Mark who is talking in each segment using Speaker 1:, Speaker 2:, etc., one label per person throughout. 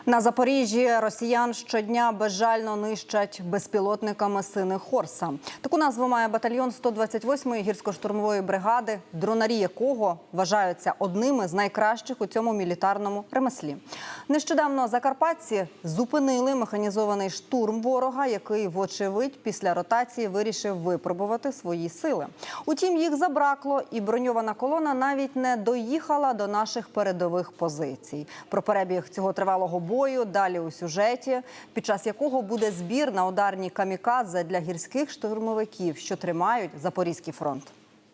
Speaker 1: На Запоріжжі росіян щодня безжально нищать безпілотниками «Сини Хорса». Таку назву має батальйон 128-ї гірсько-штурмової бригади, дронарі якого вважаються одними з найкращих у цьому мілітарному ремеслі. Нещодавно закарпатці зупинили механізований штурм ворога, який, вочевидь, після ротації вирішив випробувати свої сили. Утім, їх забракло, і броньована колона навіть не доїхала до наших передових позицій. Про перебіг цього тривалого бою далі у сюжеті, під час якого буде збір на ударні камікадзе для гірських штурмовиків, що тримають Запорізький фронт.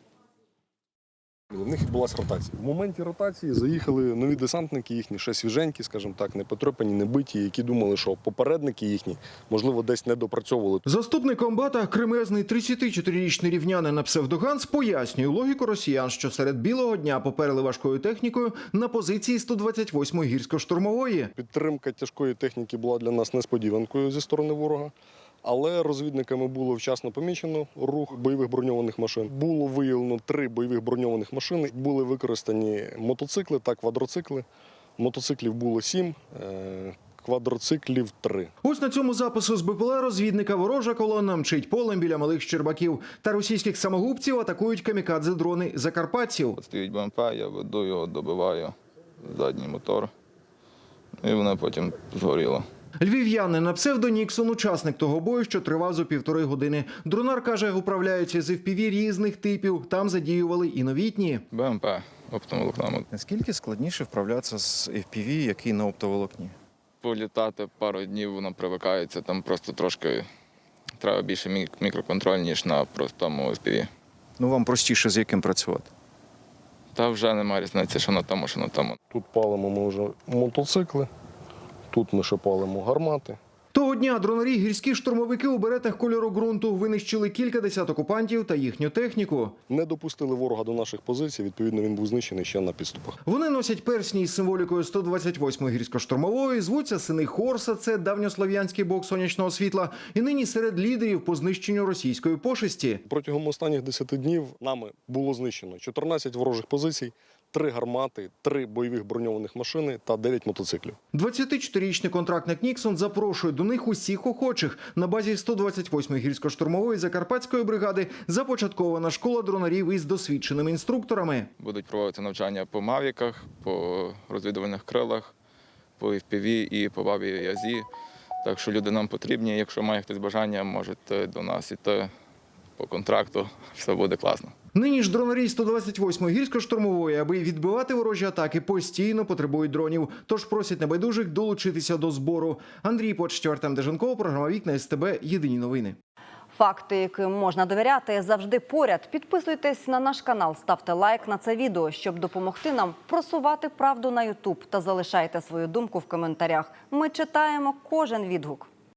Speaker 2: В них відбулася ротація. В моменті ротації заїхали нові десантники їхні, ще свіженькі, скажімо так, не потрепані, не биті, які думали, що попередники їхні, можливо, десь не допрацьовували.
Speaker 3: Заступник комбата, кремезний 34-річний рівнянин на псевдоганс, пояснює логіку росіян, що серед білого дня поперли важкою технікою на позиції 128-ї гірсько-штурмової.
Speaker 2: Підтримка тяжкої техніки була для нас несподіванкою зі сторони ворога. Але розвідниками було вчасно помічено рух бойових броньованих машин. Було виявлено 3 бойових броньованих машини. Були використані мотоцикли та квадроцикли. Мотоциклів було 7, квадроциклів 3.
Speaker 3: Ось на цьому запису з БПЛА розвідника ворожа колона мчить полем біля малих Щербаків. Та російських самогубців атакують камікадзе-дрони закарпатців.
Speaker 4: Стоїть БМП, я веду його, добиваю задній мотор, і воно потім згоріло.
Speaker 3: Львів'янин на псевдо Ніксон – учасник того бою, що тривав за 1,5 години. Дронар, каже, управляються з FPV різних типів, там задіювали і новітні.
Speaker 4: БМП оптоволокна.
Speaker 5: Наскільки складніше вправлятися з FPV, який на оптоволокні?
Speaker 4: Політати пару днів, воно привикається, там просто трошки треба більше мікроконтроль, ніж на простому FPV.
Speaker 5: Ну, вам простіше з яким працювати?
Speaker 4: Та вже немає різниці, що на тому, що на тому.
Speaker 2: Тут палимо ми вже мотоцикли, тут ми ще палимо гармати.
Speaker 3: Того дня дронарі гірські штурмовики у беретах кольору ґрунту винищили кілька десят окупантів та їхню техніку.
Speaker 2: Не допустили ворога до наших позицій, відповідно він був знищений ще на підступах.
Speaker 3: Вони носять персні із символікою 128-ї гірсько-штурмової, звуться «Сини Хорса», це давньослов'янський бог сонячного світла, і нині серед лідерів по знищенню російської пошесті.
Speaker 2: Протягом останніх 10 днів нами було знищено 14 ворожих позицій, 3 гармати, 3 бойових броньованих машини та 9 мотоциклів.
Speaker 3: 24-річний контрактник Ніксон запрошує до них усіх охочих. На базі 128-ї гірсько-штурмової закарпатської бригади започаткована школа дронарів із досвідченими інструкторами.
Speaker 4: Будуть проводити навчання по мавіках, по розвідувальних крилах, по FPV і по бабі Язі. Так що люди нам потрібні. Якщо має хтось бажання, можете до нас іти по контракту. Все буде класно.
Speaker 3: Нині ж дронарі 128-ї гірсько-штурмової, аби відбивати ворожі атаки, постійно потребують дронів. Тож просять небайдужих долучитися до збору. Андрій Почтів, Артем Деженков, програма «Вікна СТБ». Єдині новини.
Speaker 1: Факти, яким можна довіряти, завжди поряд. Підписуйтесь на наш канал, ставте лайк на це відео, щоб допомогти нам просувати правду на YouTube. Та залишайте свою думку в коментарях. Ми читаємо кожен відгук.